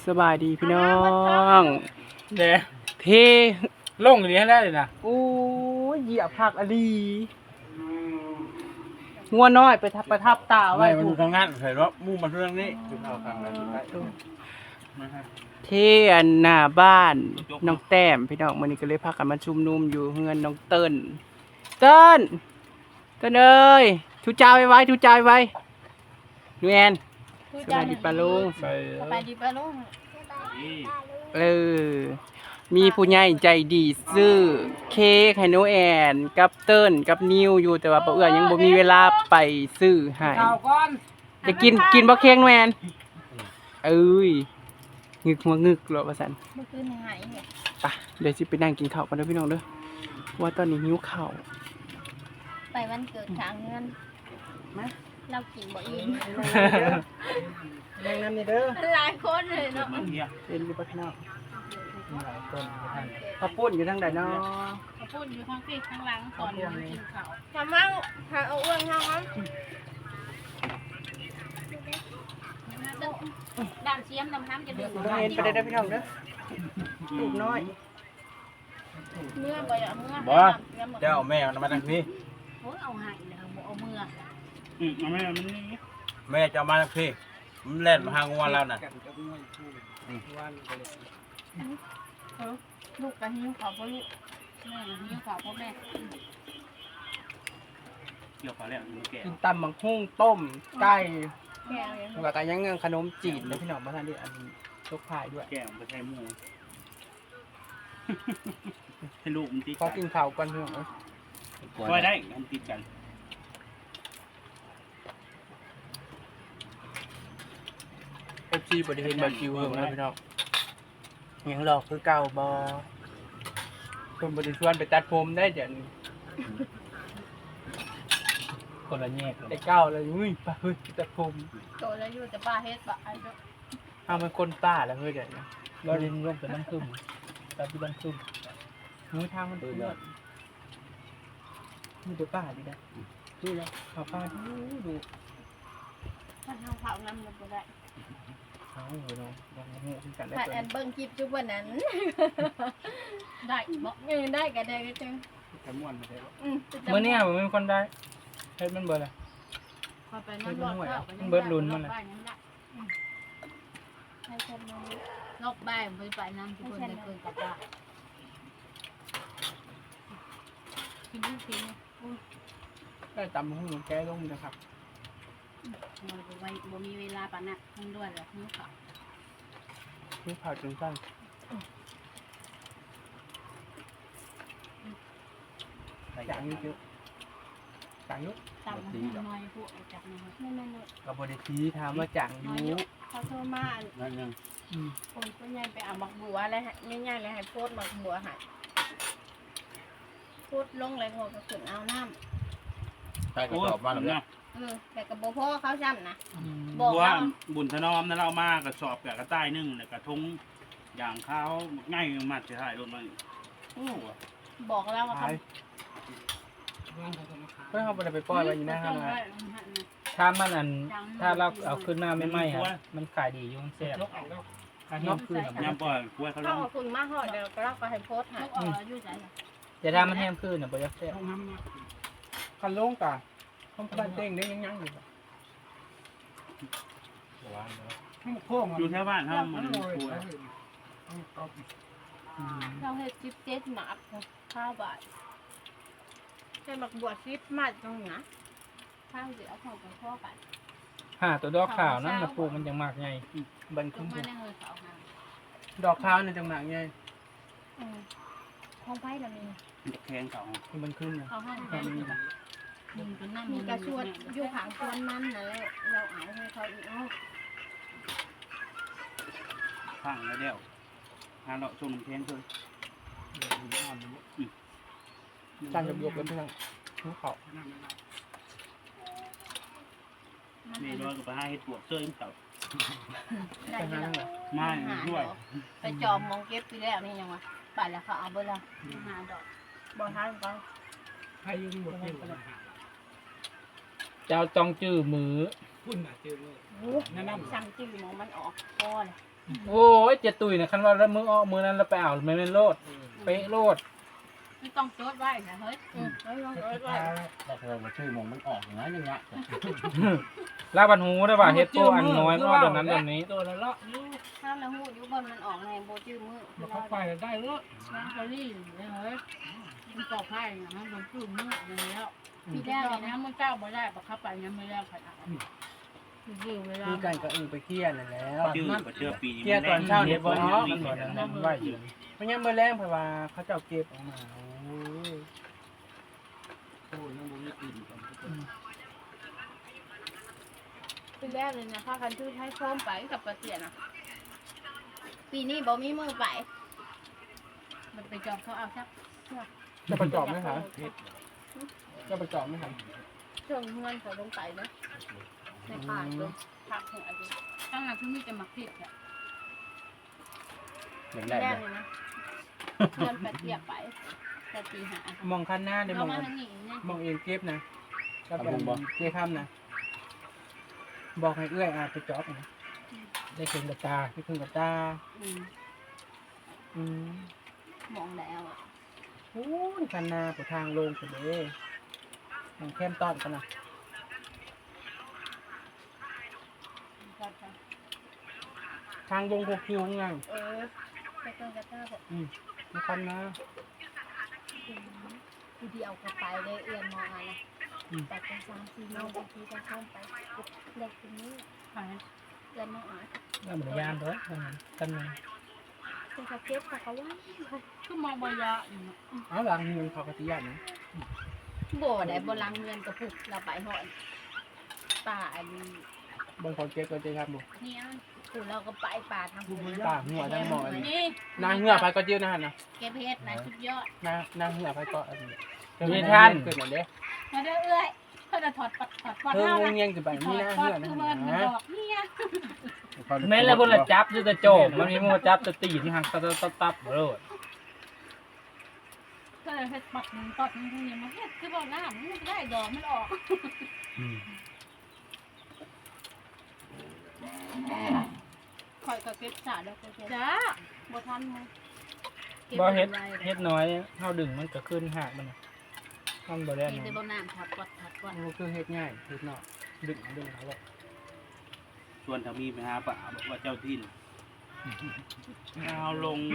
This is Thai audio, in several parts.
สบายดีพี่น้องเด้เทลงอย่างนี้ได้เลยนะโอ้ยเหยียบผักอลีงัวน้อยไปประทับตาไว้ไม่มันถูดูกทางนั้นเห็นว่ามุ่งมาเรื่องนี้คือเอาทางนั้นได้เทอันหน้าบ้านน้องแต้มพี่น้องมื้อนี้ก็เลยพากันมาชุมนุมอยู่เฮือนน้องเติ้นเติ้นเอ้ยทุจ้าไว้ทุจ้าไว้นูแอนสวัสดีป้าลุงไปสบายดีป้าลุงเออมีผู้ใหญ่ใจดีซื้อเค้กให้หนูแอนกับเติ้นกับนิวอยู่แต่ว่าป้าเอื้อยังบ่มีเวลาไปซื้อให้ข่าวก่อนจะกินบ่เค้กหนูแอนเอ้ยงึกหัวงึกเหรอว่าซั่นเมื่อคืนหายเนี่ยไปเดี๋ยวสิไปนั่งกินข้าวกันเด้อพี่น้องเด้อว่าตอนนี้หิวข้าวไปวันเกิดทางเงินมาเรากินบ่อิ่มนั่งนำนี่เด้อหลายคนเลยเนาะเป็นอยู่บ่พี่น้องข้าวปุ้นอยู่ทางใดเนาะเขาพูดอยู่ข้างที่ข้างหลังตอนกินข้าวทำมั่งหาเอาอ้วนข้างนั้นด่างเชียมน้ำน้ำจะดื่มน้องเอ็นไปได้อพี่น้องเด้อลูกน้อยเมื่อบ่อยเมื่อบ่เจ้าแม่มันมาทางนี้โอ้ยเอาหายเลยบ่เอาเมื่อเอาแม่มันนี่แม่จะมาทางนี้มันเล่นมาหางวันแล้วน่ะลูกกันหิ้วขาวพ่อลูกแม่หิ้วขาวพ่อแม่เกี่ยวกับแล้วมันแก่กินตำบักหุ่งต้มไก่แก่เลยแล้วก็ยังขนมจีนเด้อพี่น้องมาทานดิอันนี้ชกพายด้วยแก่มันไปใช้หมูให้ลูกมันติดขอกินข้าวก่อนพี่น้องเอ้ยคอยได้มันติดกัน FC บ่ได้เห็นบ่คิวเฮิงนะพี่น้องยังหลอกคือเก่าบ่เพิ่นบ่ได้ชวนไปตัดผมได้เดี๋ยวนี้คนละแยกแต่เก่าเลยอุ้ยไปเฮ้ยตัดผมโตแล้วอยู่แต่ป้าเฮ็ดบ่ไอ้เจ้าเอามันคนป้าแล้วเฮ้ยเดี๋ยวนี้เราเรียนร่วมกันน้ำซุ่มตาที่บ้านซุ่มมือทางมันเปื้อนมีแต่ป้าดินะนี่แหละข้าวป้าดูถ้าเฮาเผาน้ำมันบ่ได้เอาเนาะยังงูขึ้นกันได้ถ้าเพิ่อันนเบิ่งคลิปจุบวันนั้น ได้บ่ได้ก็ได้ก็จังแค่ม้วนมาได้มื้อนี้มันมีคนได้เฮ็ดมันเบิดล่ะพอไปน้ำรอดเข้ามันเบิดลุ้นมันน่ะให้คนมารอบบ่ายไปไปน้ำทุกคนได้เกินกับว่ากินทุกทีได้ตำหูแก้ลงนะครับมันบ่มีเวลาปานน่ะมันด้วยแหละมื้อเขานี่ข้าวจนสั้นจางนี่เยอะจางเยอะตามน้อยพวกจากน้อยนั่นกับบริทีถามว่าจางอยู่เขาโทรมานั่นยังคนก็ยังไปเอาหมักบัวแล้วง่ายๆเลยให้โพดหมักบัวให้โพดลงเลยหัวกระสุนเอาน้ำใช่ก็ตอบมาแล้วเนี่ยแต่กับโบพ่อเขาจำนะบับอกวเราบุญถนอมนั่นเรามากระสอบกับกระต่ายนึ่งแล้วกระทงอย่างข้าวง่ายมากจะถ่ายรถมาโอ้บอกเราว่าขายเพื่อเขาไปปล่อยไว้อยู่หน้าห้างนะถ้ามันอันถ้าเราเอาขึ้นมาไม่ไหม้ครับมันขายดีอยุ่งแซ่บถ้าเห็นขึ้นอะยำปล่อยกล้วยเขาลเขางขอบคุณมากหอดเดี๋ยวเราก็ให้โพสให้แต่ถ้ามันแห้งขึ้นอ่ะบ่จะแซ่บคันโล่งกะห้องบ้านเต้งได้ยังอยู่อยู่แถวบ้านเขามันกล้วยเราให้17 หมาข้าวบาทให้หมักบัว10 มาตรงนะข้าวเดี๋ยวเขาไปพ่อกันตัวดอกขาวนั่นมาปลูกมันยังมากไงบันตรคุ้งมมาในเฮอเขาหาดอกข้าวในจังหนักไงห้องไผ่เรามีแข้งเขามันขึ้นนะเขาห้องไผ่มีกระชวนอยู่ขางชวนมันนะแล้วเราเอาให้เขาอีกเอาข้างแล้วเดียวหาเราชมน้ำแข็งเลยจานจะบวกกันเพื่อนภูเขานี่ร้อยกับไปให้ตรวจเสื้อเขาได้ยังไงไม่ด้วยไปจอมมองเก็บไปแล้วนี่ยังวะไปแล้วเขาเอาไปแล้วหาดอกบ่ทันก็ให้ยืมหมดเจ้าจองจื้อมือสั่งจื้อมองมันออกพอเลยโอ้ยเจ็ดตุยนะคันว่าแล้วมือออกมือนั้นเราไปเอาไม่เป็นโลดเป๊ะโลดไม่ต้องโจทย์ไว้นะเฮ้ยไม่ต้องโจทย์ไว้แต่เธอมาชื่อมงมันออกอย่างนั้นอย่างเงี้ยลาบันหูได้ป่ะเฮ็ดโปอันน้อยก็แบบนั้นแบบนี้ตัวละเลาะอยู่ถ้าเราหูอยู่บนมันออกในโบจื้อมือมันเข้าไปได้เลาะร้านเกาหลีเลยเฮ้ยมันตอกให้นะมันจุ่มมืออย่างนี้แล้วพี่แรแล้กวเลยนะนะมันเจ้าบ่ได้ปะเข้าไปยังไม่ได้ขนาดคือเวลามีกันก็ไปเกี้ยนั่นแล้วชื่อก็เจอปีนี้เกี้ยตอนเช้าเฮ็เฮ็ดดบ่บ่เนาะเนาะมันบ่นั้นนั้นไหวอยู่เพราะยังมื้อแรงเพราะว่าเขาเจ้าเก็บออกมาโอ้ยโอ้ยยังบ่มีกลิ่นกันพี่แรกเลยนะพากันชื่อให้พร้อมไปกับประเตียนะปีนี้บ่มีมือไปมันไปจอบเขาเอาครับจะประจอบไหมคะจะประจอบไหมคะเครื่องเงินเขาลงไปนะในป่าลงผักหัวดิตั้งแต่ที่มีจะมาผิดอ่ะเหมือนพี่ได้แรกเลยนะเงินไปเทียบไปแต่ตีหามองคันหน้าได้มเราองมาทางนี้เนี่ยมองเองเก็บนะกับเก็บค่ำนะบอกให้เอื้อยไปจอบนะได้คืนกับตาที่พึ่งกับตาอืมอืมมองแล้วอ่ะโอ้ยคันหน้าไปทางลงสุดเลยทางแคมต้อนกันนะทางวง6 คิวไงไปต้นกระต้าบอกมาคันหน้าผู้เดียวก็ไปเลยเอื้อนมองอะไรแต่กัน3-4โมงบางทีก็เข้าไปเด็กคนนี้ขายเอื้อนมองอะไรแล้วมันยานเด้อกันนึงเป็นเขาเก็บเขาว่าคือมองบอยะอยู่เนาะเอาหลังเงินเขากติยานนะโบได้โบลังเงินกระปุกเราไปหอนป่าอันนี้บางคนเก็บก็จะทำบุเนี่ยปู่เราก็ไปป่าทางปู่ป่าหัวทางหมอนนี่นางเหือไปก็เจียวนะฮะนะเก็บเพชรนะสุดยอดนางเหือไปก็อันนี้มีท่านเกิดมาเด้มาเด้อเอ้ยเพื่อจะถอดปัดเท่าเพิ่งนะเงี้ยงจะไปถนี่อดนางปัเหืดอนะคือมันฮะดอกเนี่ยแม่นแล้วพุ่นละจับอยู่แต่โจมมันมีมือจับแต่ตีที่หักตับโลดก็เลยเฮ็ดปัดนึงปัดนึงทีนี้มันเฮ็ดคือบ่น้ำมันได้ดอกมันออกคอยก็เก็บสาแล้วก็เก็บจ้าบ่ทันมั้งบ่เฮ็ดน้อยเฮาดึงมันก็ขึ้นหากมันมันบ่ได้มีแต่นะบ่น้ำทับก่อนทับก่อนมันคือเฮ็ดง่ายเฮ็ดเนาะดึงเขาเลยชวนทามีไปหาป่าบอกว่าเจ้าทินเอาลง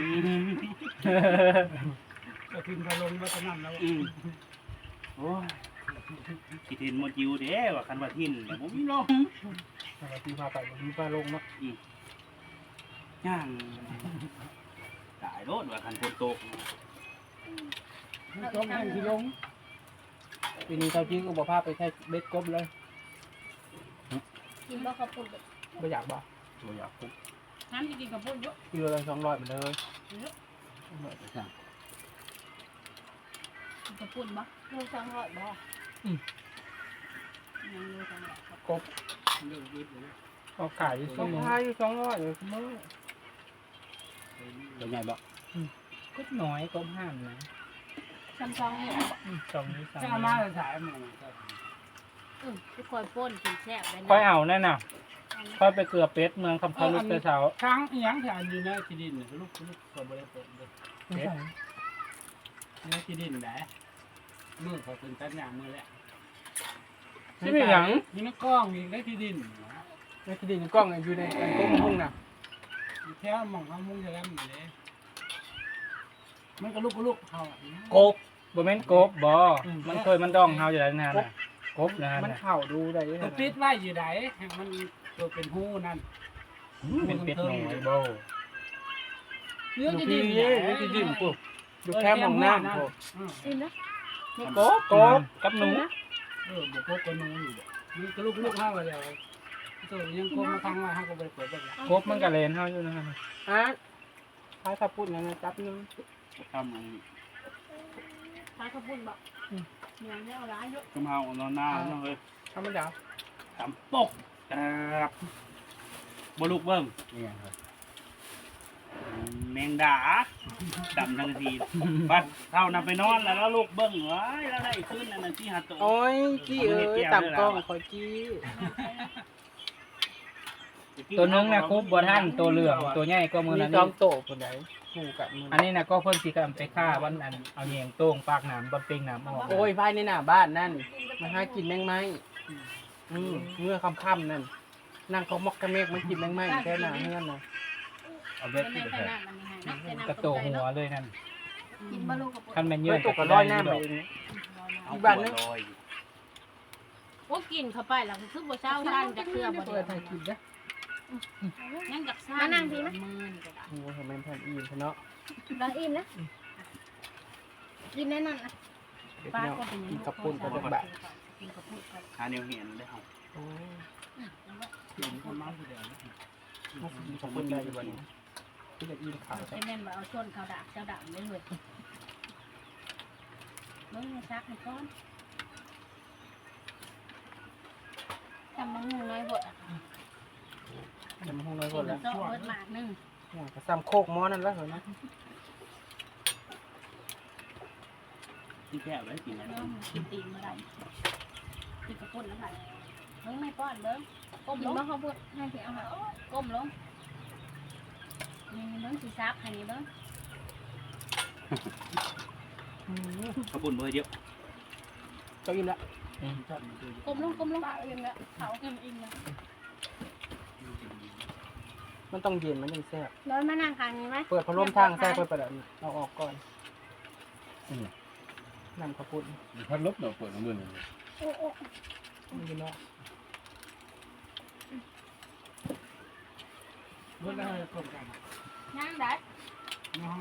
ก็พิมพ์พะลงวัฒนธรรมแล้วโอ้ยคิดเห็นโมจิวเด้ว่าคันว่าทินแต่ผมมีลงปกติพาไปมีปลาลงเนาะย่างตายรถว่าคันฝนตกต้องให้ที่ลงปีนี้เขาจริงก็บอกพาไปแค่เบ็ดกบเลยกินบ่ข้าวปุ้นไม่อยากบอกตัวอยากคุกน้ำที่กินกับพวกเยอะกิโลละ200เหมือนเลยกับปุ่นบ่โล200บ่ยังเลยจังหวะครับกบเรื่องวิทย์เลยก็ขายอยู่ก็ชั่วโมงพาอยู่200เลยมื้อตัวใหญ่บ่ก็น้อยก็ห้ามนะซ้ำๆเนี่ยสองนี้จะเอามาถ่ายมันทุกคนป้นกินแซ่บได้ค่อยเอานั่นน่ะค่อยไปเกลือเป็ดเมืองคำพาลุกแต่เช้าช้างอีหยังที่อันอยู่ในที่ดินลูกก็บ่ได้เปิดเลยในที่ดินแหละมือเขาเป็นตัดหญ้ามือแล้วที่ไม่หยังมีนักกล้องมีในที่ดินในที่ดินกล้องอยู่ในกล้องพุ่งน่ะแค่มองเขามุ่งจะแล้วอยู่เลยมันก็ลูกเขากบบ่แม่นกบบ่มันเคยมันดองเฮาอยู่แล้วนั่นน่ะกบนะฮะมันเข่าดูได้ยังไงตัวปิดไว้อยู่ไหนมันตัวเป็นหูนั่นเป็นเป็ดน้อยบ่เรื่องดูที่พี่ดินเย้ดูที่ดินปุ๊บดูแค่มองหน้าโอ้กินนะกบกบกับหนูบอกพวกคนนู้นอยู่นี่ก็ลูกห้าวันเดียวตัวยังโกงมาทางว่าห้าก็ไปเปิดแบบนี้กบมันก็เลนเฮาอยู่นะฮะอ่ะพายขับปุ่นนั่นนะจับนึงทำอันนี้ขายข้าวปุ้นบ่เนี่ยเนี่ยเอาร้ายเยอะกำเฮานอนหน้าเนาะเฮ้ยธรรมดาตำปกครับบลูกเบิ้งแมงดาดำทั้งทีบัดเท่านำไปนอนแล้วลูกเบิ้งเอ้ยแล้วได้ขึ้นอันนั้นที่หัดตัวโอ้ยจี้เอ้ยต่ำกล้องคอยจี้ตัวนึงนะคุบบนท่านตัวเหลืองตัวใหญ่ก็มือมีนั้นจอมโตคนไหนคู่กันมืออันนี้นะก็เพิ่นสิกันไปฆ่าวันอันเอาเหยียงโต้งปากหนามบนเปงหนามออกโอ้ยภายในหน้าบ้านนั่นมันหากินแมงไม้เมื่อค่ำๆนั่นนั่งเขามอกกระเมกมันกินแมงไม้แค่หน้าเฮือนน่ะเอาเบ็เป็ดนในที่ขไปนาดมันนี่ให้นะเป็นกระโตหัวเลยนั่นกินบะลูกกับคันแม่นเยเยื่อะอตกกระร้อยหน้าไปเองเอาบ้านนึงลอยโอ้กินเข้าไปแล้วคือบ่เช้าท่านจะเคลือบบ่เปิได้ดให้กินนะยังจักซ่ามานั่งทีนะมือนก็ได้โอ้ยมันแผ่นอิ่มเนาะเราอิ่มนะกินแน่นอนนะเดี๋ยวพี่น้องกินกับปุ้นกับดอกบะกินกับปุ้นกับหาแนวเห็นได้เฮาโอ้ยกินคนมาผู้เดียวน่าจะกินกับปุ้นได้อยู่บ่นี้ที่จะอิ่มขาวไอ้แม่นว่าเอาชนเขาดาบเจ้าดาบเลยเลยเบิ่งให้ซักให้ก่อนทำมังงูน้อยบดอ่ะจะมาห้องน้อยกิก่อนนแล้วเจาะเบิดหมากนึงกระซ้ำโคกหม้อนั่นแล้วเหรอนะที่แก้วไว้กินนะเนาะกินตีนมาได้กินกับปุ้นแล้วค่ะเบิ่งไม่ป้อนเบิ่งก้มลงเขาพูดให้สิเอาค่ะก้มลงนี่เบิ่งสิซักให้นี่เบิ่งขบุญเบอร์เดียวก็อิ่มละก้มลงอิ่มแล้วเขาอิ่มแล้วมันต้องเย็นมันยังแซ่บร้อนมานั่งข้างนี้ไหมเปิดพัดลมทางแซ่บเปิดประดับเอาออกก่อนนำกระปุ้นพัดลบเราเปิดของมือหนึ่งโอ้โอ้มันอยู่เนาะเมื่อได้คนกันนั่งได้น้อง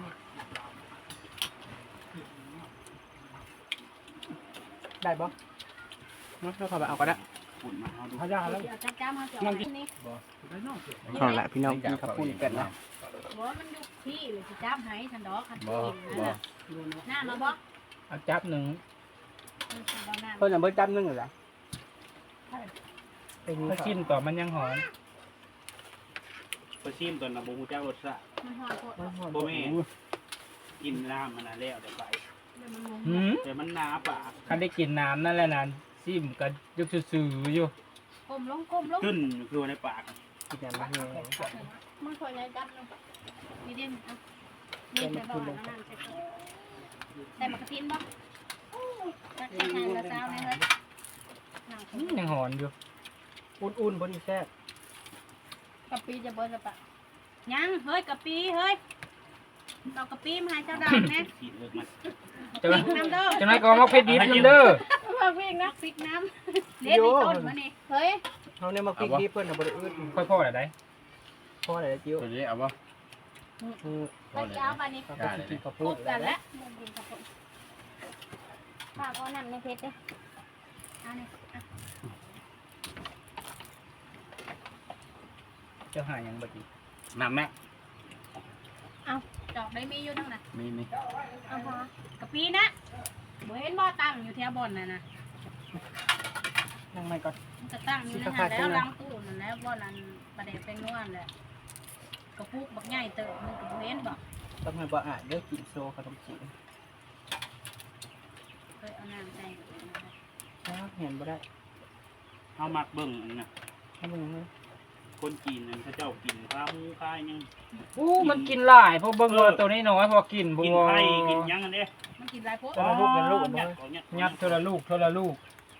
ได้บ่เนาะเราเข้าไปเอาก็ได้ฝุ่นมาเอาดูพยาแล้วเดี๋ยวจ้ามาเดี๋ยวนี่ได้นอกเอาละพี่น้องกินกระปุ้นกันนะบ่มันอยู่ที่เลยสิจ้าให้ทันดอกคันบ่กินนั่นบ่น่ะหน้ามาบ่เอาจับหนึ่งเพิ่นน่ะเบิดจำนึงเหรอเป็นถ้าชิ้นต่อมันยังหอนไปชิมตอนน่ะบ่ฮู้จักรสชาติมันหอดโคตรบ่แม่กินน้ำมันน่ะแล้วได้ไปเดี๋ยวมันงงหืมแต่มันหนาปากคันได้กินน้ำนั่นแหละนั่นซิมก็ยกซื่อๆอยู่ก้มลงขึ้นคือในปากกินอย่างนี้มันขอใหญ่จับลงนี่เด่นอ่ะนี่ไปบ่แล้วนั่นใส่ก่อนแต่มากระทินบ่ตักใส่ทางละซาวเลยเฮ้ยนั่งอืมยังหอนอยู่อุ่นๆบนนี้แซ่บกะปิจะเบิดละปะยังเฮ้ยกะปิเฮ้ยเอากะปิมาให้เจ้าดาวแน่กินเลิกมันจะไหมน้ำเด้อจะไหมก็มาเพชรดิบนำเด้อมาวิ่งนะพริกน้ำเล็ดในต้นมานี่เฮ้ยเฮาเนี่ยมากินดีเพิ่นน่ะบ่ได้อึดค่อยพ่อได้พอได้จิ้วตัวนี้เอาปะไปเจ้ามานี่เขาก็สิกินกระพปุ้บนกัแล้วนแล้วกินกับผมป้าก็นั่นในเพชรเด้เอานี่เจ้าหายังบ่ดีน้ำแม่เอาดอกได้มีอยู่ทั้งนั้นมีเอาพอกะปินะบ่เห็นบ่ตั้งอยู่แถวบ่อนน่ะนะยังไม่ก่อนมันจะตั้งอยู่ในนั้นแล้วล้างตู้นั่นแล้วบ่อนนั้นประเดี๋ยวเป็นนวลแหละกระปุกบักใหญ่เติบมันก็บ่เห็นบ่ต้องให้บ่อ่านเด้อกินโซขนมจีนเคยเอาน้ำใส่อยู่นะเห็นบ่ได้เอามักเบิ่งอันน่ะให้มึงเลยคนจีนนั่นเขาเจ้ากินข้าวหมูข้าวยังอู้มันกินหลายเพราะเบิ่งว่าตัวนี้น้อยพอกินบ่กินไข่กินยังอันเด้มันกินหลายโพดจะมาลูกกันลูกยับ่ดของเนี่ยยัดเท่าละลูกเท่าละลูก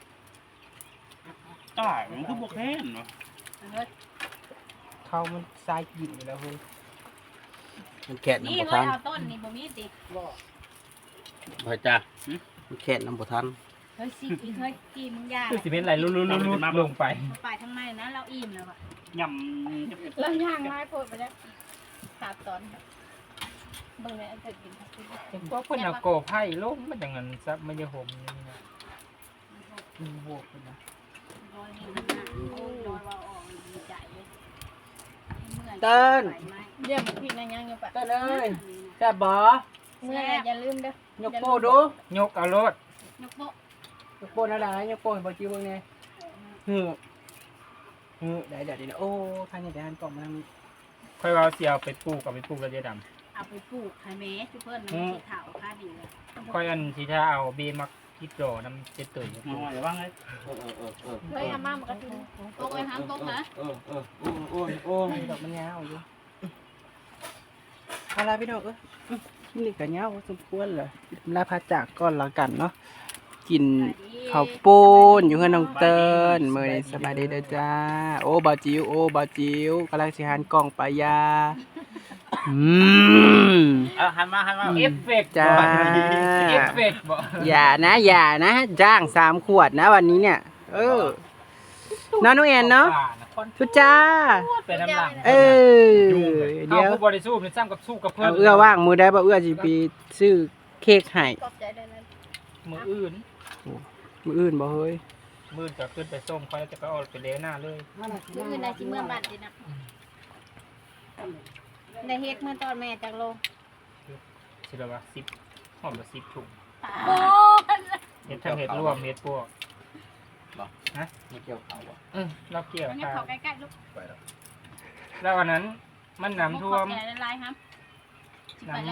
ตายมันคือบ่แค้นเนาะเฮ้ยเขามันทรายกินอยู่แล้วเฮ้ยมันแค่น้ำนี่บ่เฮ้ทัยนเอาต้นนี่บ่มีติเฮ้ยจ้ามันแค่น้ำบ่ทันเฮ้ยสิอีกเฮ้ยกี่มึงยาคือสิเป็นไหลลุดๆๆลงไปไปทางในนะเราอิ่มแล้วอ่ะยำเราย่างไม้โพดไปแล้วขาดตอนเบิ่งเลยอันเกิดกินครับเห็นว่าเพิ่นเอาโกไผ่ลงมันจังนั้นซับมันจะห่มนี่นะมีโหกเลยนะรอยนี่มันน่ะโอ้ยรอยว่าออกดีใจเลยเดี๋ยวพี่นายยังอยู่ปะเต้นเอ้ยแซ่บบ่เมื่ออย่าลืมเด้อยกโป้ดูยกเอารถยกโปะยกโป้นะล่ะยกโป้ให้บ่จิ้วเบิ่งแน่ได้เดี๋ยวโอ้ท่านนี่ได้หันกล่องมาทางนี้ค่อยว่าสิเอาไปปลูกกับไปปลูกแล้วจะดำเอาไปปลูกไข่เมสเพื่อนมันสีขาวค่าดีเลยค่อยอันสิถ้าเอาเบมักคิดรอน้ำเจ็ดเตยมาว่าอย่าว่างเลยเฮ้ยอาม่ามากระทินตกไปห้ามตกนะดอกมันยาวอยู่อะไรพี่น้องนี่ก็ยาวสมควรเลยลาพาจากก่อนละกันเนาะกินข้าวปุ้นอยู่กับน้องเติ้นมื้อนี้สบายดีเด้อจ้าโอ้บ่าวจิ๋วกำลังสิหันกล้องไปยาหันมาเอฟเฟกต์จ้าเอฟเฟกต์บ่อย่านะจ้าง3 ขวดนะวันนี้เนี่ยน้องแอนเนาะทุจ้าเป็นน้ำหลังเเดี๋ยวผู้บริสุทธิ์ซ้ำกับสู้กับเพื่อเอานเอื้อว่างมือได้บ่เอื้อสิไปซื้อเค้กให้ขอบใจได้นั้นมืออื่นมื้ออื่นบ่เฮ้ยมือจะขึ้นไปส้มเขาจะไปเอาไปเลหน้าเลยมื้ออื่นได้สิเมื่อบัดดินะได้เฮ็ดมื้อตอนแม่จากโลสิละว่า10หอมละ10ถุงโอ้เฮ็ดทั้งเฮ็ดรวมเฮ็ดพวกไม่เกี่ยวเขาอ่ะเราเกี่ยวมันยังกัเข้าน ใกล้ๆลูกแล้ววันนั้นมันน้ำท่วมขอบใจหลายๆครับน้ำ